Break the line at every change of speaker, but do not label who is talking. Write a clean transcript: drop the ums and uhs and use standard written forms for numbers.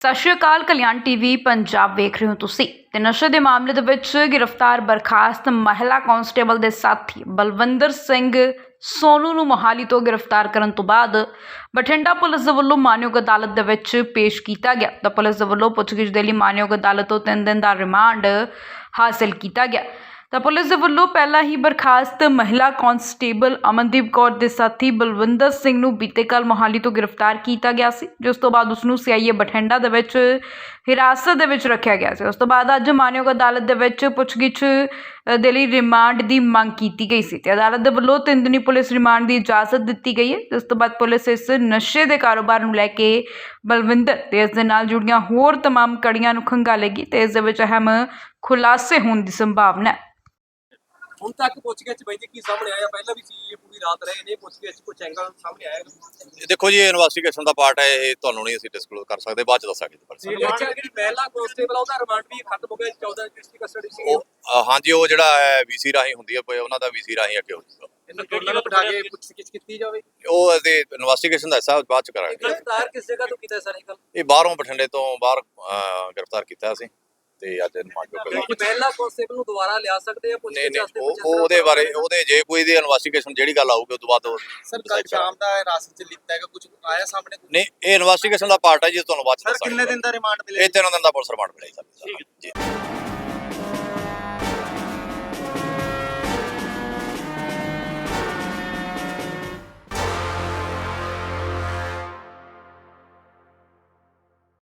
ਸਤਿ ਸ਼੍ਰੀ ਅਕਾਲ। ਕਲਿਆਣ ਟੀਵੀ ਪੰਜਾਬ ਵੇਖ ਰਹੇ ਹੋ ਤੁਸੀਂ ਤੇ ਨਸ਼ੇ ਦੇ ਮਾਮਲੇ ਦੇ ਵਿੱਚ ਗ੍ਰਿਫਤਾਰ ਬਰਖਾਸਤ ਮਹਿਲਾ ਕਾਂਸਟੇਬਲ ਦੇ ਸਾਥੀ ਬਲਵਿੰਦਰ ਸਿੰਘ ਸੋਨੂ ਨੂੰ ਮੋਹਾਲੀ ਤੋਂ ਗ੍ਰਿਫਤਾਰ ਕਰਨ ਤੋਂ ਬਾਅਦ ਬਠਿੰਡਾ ਪੁਲਿਸ ਦੇ ਵੱਲੋਂ ਮਾਨਯੋਗ ਅਦਾਲਤ ਦੇ ਵਿੱਚ ਪੇਸ਼ ਕੀਤਾ ਗਿਆ। ਤਾਂ ਪੁਲਿਸ ਦੇ ਵੱਲੋਂ ਪੁੱਛਗਿੱਛ ਦੇ ਲਈ ਮਾਨਯੋਗ ਅਦਾਲਤ ਤੋਂ 3 ਦਿਨ ਦਾ ਰਿਮਾਂਡ ਹਾਸਲ ਕੀਤਾ ਗਿਆ। ਤਾਂ ਪੁਲਿਸ ਦੇ ਵੱਲੋਂ ਪਹਿਲਾਂ ਹੀ ਬਰਖਾਸਤ ਮਹਿਲਾ ਕਾਂਸਟੇਬਲ ਅਮਨਦੀਪ ਕੌਰ ਦੇ ਸਾਥੀ ਬਲਵਿੰਦਰ ਸਿੰਘ ਨੂੰ ਬੀਤੇ ਕੱਲ੍ਹ ਮੋਹਾਲੀ ਤੋਂ ਗ੍ਰਿਫਤਾਰ ਕੀਤਾ ਗਿਆ ਸੀ, ਜਿਸ ਤੋਂ ਬਾਅਦ ਉਸ ਨੂੰ ਸੀਆਈਏ ਬਠਿੰਡਾ ਦੇ ਵਿੱਚ ਹਿਰਾਸਤ ਦੇ ਵਿੱਚ ਰੱਖਿਆ ਗਿਆ ਸੀ। ਉਸ ਤੋਂ ਬਾਅਦ ਅੱਜ ਮਾਨਯੋਗ ਅਦਾਲਤ ਦੇ ਵਿੱਚ ਪੁੱਛਗਿੱਛ ਦੇ ਲਈ ਰਿਮਾਂਡ ਦੀ ਮੰਗ ਕੀਤੀ ਗਈ ਸੀ ਤੇ ਅਦਾਲਤ ਦੇ ਵੱਲੋਂ 3 ਦਿਨੀ ਪੁਲਿਸ ਰਿਮਾਂਡ ਦੀ ਇਜਾਜ਼ਤ ਦਿੱਤੀ ਗਈ ਹੈ, ਜਿਸ ਤੋਂ ਬਾਅਦ ਪੁਲਿਸ ਇਸ ਨਸ਼ੇ ਦੇ ਕਾਰੋਬਾਰ ਨੂੰ ਲੈ ਕੇ ਬਲਵਿੰਦਰ ਤੇ ਇਸ ਦੇ ਨਾਲ ਜੁੜੀਆਂ ਹੋਰ तमाम ਕੜੀਆਂ ਨੂੰ ਖੰਗਾਲੇਗੀ ਤੇ ਇਸ ਦੇ ਵਿੱਚ ਅਹਿਮ ਖੁਲਾਸੇ ਹੋਣ ਦੀ ਸੰਭਾਵਨਾ ਹੈ।
ਹੁਣ ਤੱਕ ਪੁੱਛਗਿੱਛ ਬਾਈ ਜੀ ਕੀ ਸਾਹਮਣੇ ਆਇਆ? ਪਹਿਲਾਂ ਵੀ ਸੀ ਪੂਰੀ ਰਾਤ ਰਹੇ ਨੇ, ਪੁੱਛਗਿੱਛ ਕੁਝ ਐਂਗਲ ਸਾਹਮਣੇ ਆਇਆ?
ਦੇਖੋ ਜੀ, ਇਹ ਇਨਵੈਸਟੀਗੇਸ਼ਨ ਦਾ ਪਾਰਟ ਹੈ, ਇਹ ਤੁਹਾਨੂੰ ਨਹੀਂ ਅਸੀਂ ਡਿਸਕਲੋਜ਼ ਕਰ ਸਕਦੇ, ਬਾਅਦ ਚ ਦੱਸਾਂਗੇ ਜੀ।
ਜਿਹੜੀ ਪਹਿਲਾ ਕਾਂਸਟੇਬਲ ਉਹਦਾ ਰਿਮਾਂਡ ਵੀ ਖਤਮ ਹੋ ਗਿਆ, 14 ਡਿਸਟ੍ਰਿਕਟ ਕਸਟਡੀ ਸੀ।
ਹਾਂਜੀ, ਉਹ ਜਿਹੜਾ ਹੈ ਵੀਸੀ ਰਾਹੀਂ ਹੁੰਦੀ ਹੈ, ਉਹਨਾਂ ਦਾ ਵੀਸੀ ਰਾਹੀਂ ਅੱਗੇ ਹੋ ਜਾਊਗਾ।
ਇਹਨਾਂ ਦੋਨਾਂ ਨੂੰ ਬਿਠਾ ਕੇ ਪੁੱਛਗਿੱਛ ਕੀਤੀ ਜਾਵੇ।
ਉਹ ਇਹਦੇ ਇਨਵੈਸਟੀਗੇਸ਼ਨ ਦਾ ਹਿੱਸਾ ਬਾਅਦ ਚ ਕਰਾਂਗੇ।
ਗ੍ਰਿਫਤਾਰ ਕਿਸ ਜਗ੍ਹਾ ਤੋਂ ਕੀਤਾ ਸਰ?
ਇਹ ਬਾਹਰੋਂ ਬਠਿੰਡੇ ਤੋਂ ਬਾਹਰ ਗ੍ਰਿਫਤਾਰ ਕੀਤਾ ਅਸੀਂ ਤੇ ਅੱਜ
ਪਹਿਲਾ ਕਾਂਸਟੇਬਲ ਨੂੰ ਦੁਬਾਰਾ ਲਿਆ ਸਕਦੇ ਆ ਪੁੱਛਗਿੱਛ ਵਾਸਤੇ?
ਉਹਦੇ ਬਾਰੇ ਜੇ ਕੋਈ ਦੀ ਇਨਵੈਸਟੀਗੇਸ਼ਨ ਜਿਹੜੀ ਗੱਲ ਆਊਗੀ ਉਸ ਤੋਂ ਬਾਅਦ
ਸਰ ਕੱਲ ਸ਼ਾਮ ਦਾ ਰਾਸਤੇ ਚ ਲਿੱਤਾ ਹੈਗਾ, ਕੁਝ ਆਇਆ ਸਾਹਮਣੇ?
ਨਹੀਂ, ਇਹ ਇਨਵੈਸਟੀਗੇਸ਼ਨ ਦਾ ਪਾਰਟ ਹੈ ਜੀ, ਤੁਹਾਨੂੰ ਬਾਅਦ ਚ ਦੱਸਾਂਗੇ।
ਕਿੰਨੇ ਦਿਨ ਦਾ ਰਿਮਾਂਡ ਮਿਲੇ?
ਇਹ 3 ਦਿਨ ਦਾ ਪੁਲਿਸ ਰਿਮਾਂਡ ਮਿਲੇਗਾ ਜੀ।